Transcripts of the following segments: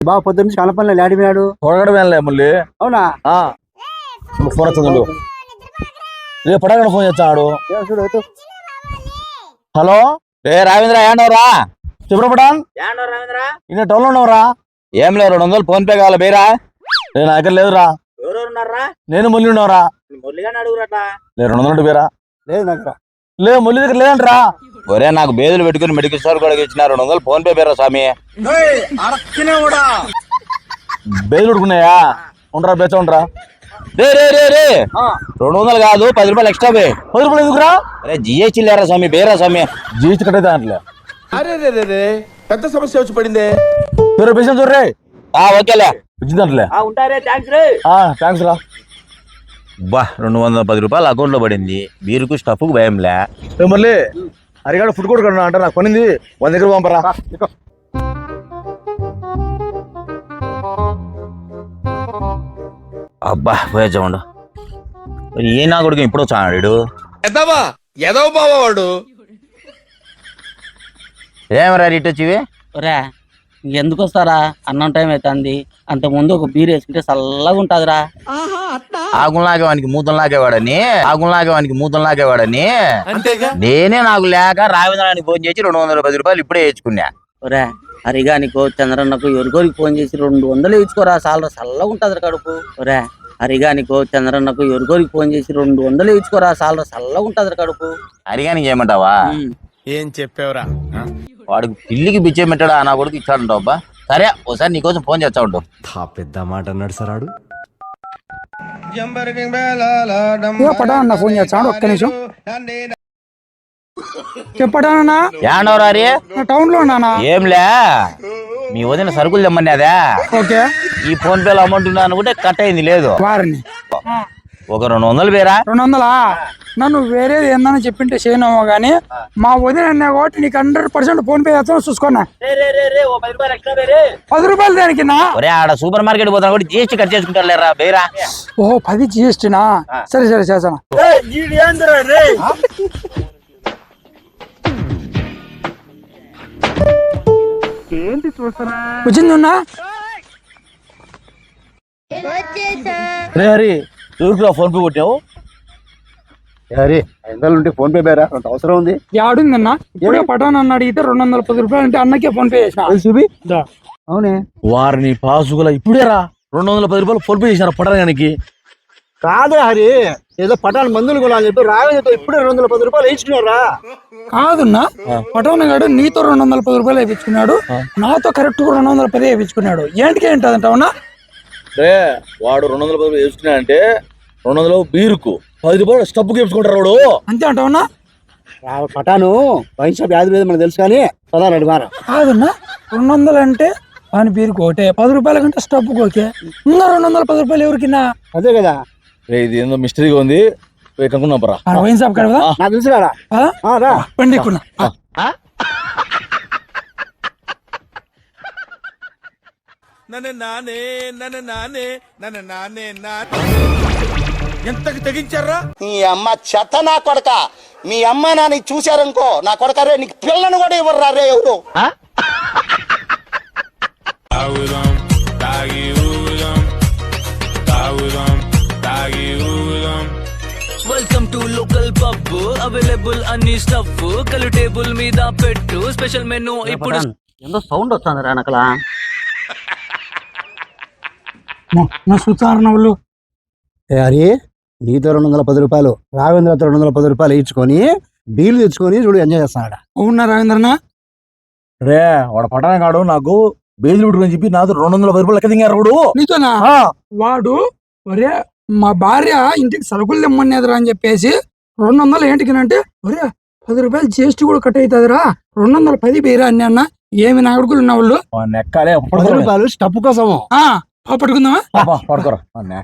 బావ పొద్దున్న నుంచి కనపడలే లాడిపోయాడు. పొడగడ వెళ్ళలే మళ్ళీ. అవునా? ఫోన్ వచ్చింది. రేపు పొడగడ ఫోన్ చేస్తాడు. చూడు. హలో రావేంద్ర ఏండవరా? చెప్పరా ఇన్న టౌన్ లో ఉన్నవరా? ఏం లేదు 200 ఫోన్ పే కావాలి బేరా. నేను నా దగ్గర లేదురా. నేను మురళి ఉన్నవరా? 200 బేరా లేదు దగ్గర. లేదు మురళి దగ్గర లేదంటరా. ఒరే నాకు బేదులు పెట్టుకుని మెడికల్ స్టోర్ కూడా ఇచ్చిన 200 ఫోన్ పే బేరా స్వామి. బేదులు పెట్టుకున్నాయా? ఉండరా బేచ ఉండరా. రే 200 కాదు 10 రూపాయలు ఎక్స్ట్రా బే. 10 రూపాయలు ఎందుకురా? అరే జిఎస్టీ లేరా స్వామి బేరా స్వామి. జిఎస్టీ కట్టయితే అంటలే. అరే పెద్ద సమస్య వచ్చి పడిందే. పేషెంట్ చూడరే. ఓకేలే వచ్చిందంటలే. థ్యాంక్స్ రా. బా 210 రూపాయలు అకౌంట్ లో పడింది. బీరుకు స్టఫ్ కు భయంలే. మళ్ళీ అరిగాడు ఫుడ్ కోర్ట్ కన్నా అంట నాకు పనింది. 100 దగ్గర పంపరా. అబ్బా పోయొచ్చామండు. ఏ నా కొడుకు ఇప్పుడు వచ్చాడు. వాడు ఏమరా రీట్ వచ్చివి? రా ఎందుకు వస్తారా? అన్నం టైం అవుతుంది. అంత ముందు ఒక బీర్ వేసుకుంటే చల్లగా ఉంటదిరా. ఆగులాగేవానికి మూతం లాగేవాడని నేనే నాకు లేక రావేంద్రానికి ఫోన్ చేసి 210 రూపాయలు ఇప్పుడే వేసుకున్నా. ఒరే హరిగానికో చంద్రన్నకు ఎవరికోరికి ఫోన్ చేసి 200 వేయించుకోరా. చల్లగా ఉంటది కడుపు. ఒరే హరిగానికో చంద్రన్నకు ఎవరికోరికి ఫోన్ చేసి 200 వేయించుకోరా. చల్లగా ఉంటది కడుపు. హరిగానికి చేయమంటావా? ఏం చెప్పావురా? వాడికి పిల్లికి బిచ్చే పెట్టాడా నా కొడుకు ఇచ్చాడంటావు. అబ్బా సరే ఒకసారి నీకోసం ఫోన్ చేస్తా ఉంటావు. పెద్ద మాట అన్నాడు సార్ ఆడు. పటానా ఫోన్ చేస్తాడు. ఒక్క నిమిషం చెప్పడానా? ఏండవరారి టౌన్ లో ఉన్నానా? ఏంలే మీ వదిన సరుకులు తెమ్మని అదే. ఓకే ఈ ఫోన్ పేలో అమౌంట్ ఉన్నా అనుకుంటే కట్ అయింది. లేదు వారిని ఒక 200 పేరా. 200 నన్ను వేరేది ఏందని చెప్పింటే చేయనమో గానీ మా వదిన అన్నా కాబట్టి నీకు 100% ఫోన్ పే చేస్తాను చూసుకున్నా. 10 రూపాయలు దానికి నా? ఒరే ఆడ సూపర్ మార్కెట్ పోతాను కూడా జిఎస్టీ కట్ చేసుకుంటారు లేరా బేరా. ఓహో 10 జిఎస్టీనా? సరే చేస్తాను. ఏంటి చూస్తారా? వచ్చింది ఉన్నా హరి ఎవరికి ఫోన్ పే కొట్టావు? అరే 500 ఉంటే ఫోన్ పే బేరా అంత అవసరం ఉంది. యాడుందన్నా? ఇప్పుడే పటాన్ అన్న అడిగితే 210 రూపాయలు అంటే అన్నకే ఫోన్ పే చేసిన. చూపి అవునే వారిని పాసుగుల ఇప్పుడే రా 210 రూపాయలు ఫోన్ పే చేసినారు పటానికి. కాదు హరి ఏదో పటాన్ మందులు కొనాలని చెప్పి రావేతో ఇప్పుడే 210 రూపాయలు వేయించుకున్నారా? కాదున్నా పటాన్ గాడు నీతో 210 రూపాయలు వేయించుకున్నాడు. నాతో కరెక్ట్ 210 వేయించుకున్నాడు. ఏంటికి ఏంటంటావునా? రే వాడు 210 వేసుకున్నా అంటే 200 బీరుకు 10 రూపాయలు స్టబ్బుకి వేసుకుంటారు వాడు. అంతే అంటావునా? పటాను వైన్ షాప్ యాది లేదు మనకు తెలుసు కానీ పదాలు మార కాదన్నా. 200 అంటే వాని బీరుకు ఒకటే, 10 రూపాయల కంటే స్టబ్బుకి ఓకే. ఇంకా 210 రూపాయలు ఎవరికిన్నా? అదే కదా. ఇది ఏందో మిస్టరీగా ఉంది. కనుక్కున్నాం పరా. వైన్ షాప్ కదా నాకు తెలుసు కదా పండి ఎక్కున్నా. ఎంతకు తెగించారా? నీ అమ్మ చెత్త నా కొడక. మీ అమ్మ నాని చూశారనుకో నా కొడక రే నీకు పిల్లను కూడా ఇవ్వరు రే ఎవరు. Welcome to local pub. Available అన్ని స్టఫ్ కలు టేబుల్ మీద పెట్టు. స్పెషల్ మెనూ ఇప్పుడు. ఎంతో సౌండ్ వస్తుంది రా నకలా. వాళ్ళు అరే నీతో 210 రూపాయలు రావేంద్రతో 210 రూపాయలు ఇచ్చుకొని బీలు తెచ్చుకొని చూడు ఎంజాయ్ చేస్తున్నాడు. అవునా రావేంద్రనా? రే వాడు పటాన కాడు నాకు బేజుడు అని చెప్పి నాతో 210 రూపాయలు లెక్క దిగారు వాడు. నీతోనా? వాడు ఒరే మా భార్య ఇంటికి సరుకులు తెమ్మనేదిరా అని చెప్పేసి 200 ఏంటికినంటే ఒరే 10 రూపాయలు జిఎస్టీ కూడా కట్ అవుతుందిరా 210 బేరా అని అన్న. ఏమి నాగడుకులు ఉన్న వాళ్ళు నెక్కాలే 10 రూపాయలు స్టప్ కోసము పట్టుకుందామా? పడుకోరా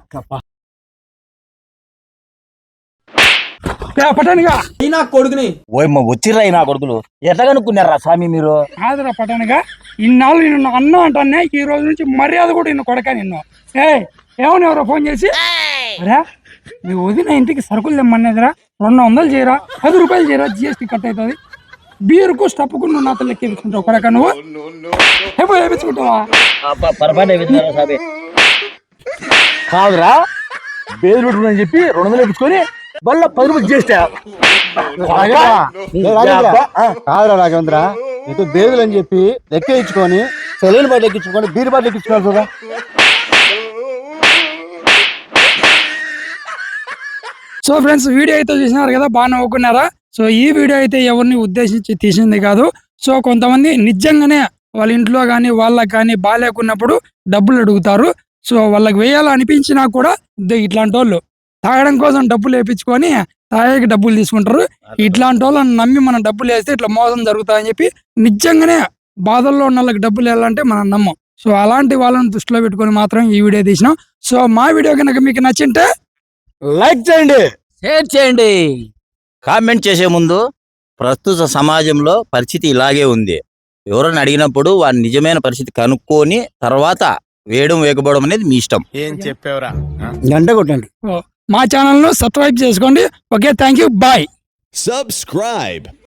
పటానిగా కొడుకుని ఓయమ్మ వచ్చిర్రా నా కొడుకులు. ఎట్లా కనుక్కున్నారా స్వామి మీరు? కాదురా పటానిగా ఇన్నాళ్ళు నిన్ను అన్న అంటానే ఈ రోజు నుంచి మర్యాద కూడా నిన్ను కొడక నిన్ను. ఏమని ఎవరో ఫోన్ చేసి అరే మీ వదిన ఇంటికి సరుకులు తెమ్మనేదిరా 200 చేయరా 10 రూపాయలు చేయరా జిఎస్టీ కట్ అవుతుంది. బీరుకు స్టప్కు నువ్వు నాతో లెక్క వేయించుకుంటావు కొడక నువ్వు ఎప్పుడు వేయించుకుంటావా పొరపాటు అయిపోయింది సాబే. కాదురా బేలు పెట్టుకుని చెప్పి 200 వేయించుకొని మళ్ళీ 10 రూపాయలు చేస్తా కాదురా రాఘవేంద్ర ఇటు బేదులు అని చెప్పి లెక్క ఇచ్చుకొని సెలైన్ బాటిల్ ఎక్కించుకొని బీర్ బాటిల్ ఎక్కించుకున్నారు చూడ. సో ఫ్రెండ్స్ వీడియో అయితే చూసినారు కదా, బాగా నవ్వుకున్నారా? సో ఈ వీడియో అయితే ఎవరిని ఉద్దేశించి తీసింది కాదు. సో కొంతమంది నిజంగానే వాళ్ళ ఇంట్లో కానీ వాళ్ళకి కానీ బాగాలేకున్నప్పుడు డబ్బులు అడుగుతారు. సో వాళ్ళకి వేయాలనిపించినా కూడా ఇట్లాంటి వాళ్ళు తాగడం కోసం డబ్బులు వేయించుకొని తాగేకి డబ్బులు తీసుకుంటారు. ఇట్లాంటి వాళ్ళని నమ్మి మనం డబ్బులు వేస్తే ఇట్లా మోసం జరుగుతాయని చెప్పి నిజంగానే బాధల్లో ఉన్న వాళ్ళకి డబ్బులు వేయాలంటే మనం నమ్మం. సో అలాంటి వాళ్ళని దృష్టిలో పెట్టుకొని మాత్రం ఈ వీడియో తీసినాం. సో మా వీడియో కనుక మీకు నచ్చింటే లైక్ చేయండి, షేర్ చేయండి. కామెంట్ చేసే ముందు ప్రస్తుత సమాజంలో పరిస్థితి ఇలాగే ఉంది. ఎవరైనా అడిగినప్పుడు వారి నిజమైన పరిస్థితి కనుక్కొని తర్వాత వేయకపోవడం అనేది మీ ఇష్టం. ఏం చెప్పేవరా? గంట కొట్టండి. మా ఛానల్ ను సబ్స్క్రైబ్ చేసుకోండి. Okay, thank you, bye. Subscribe.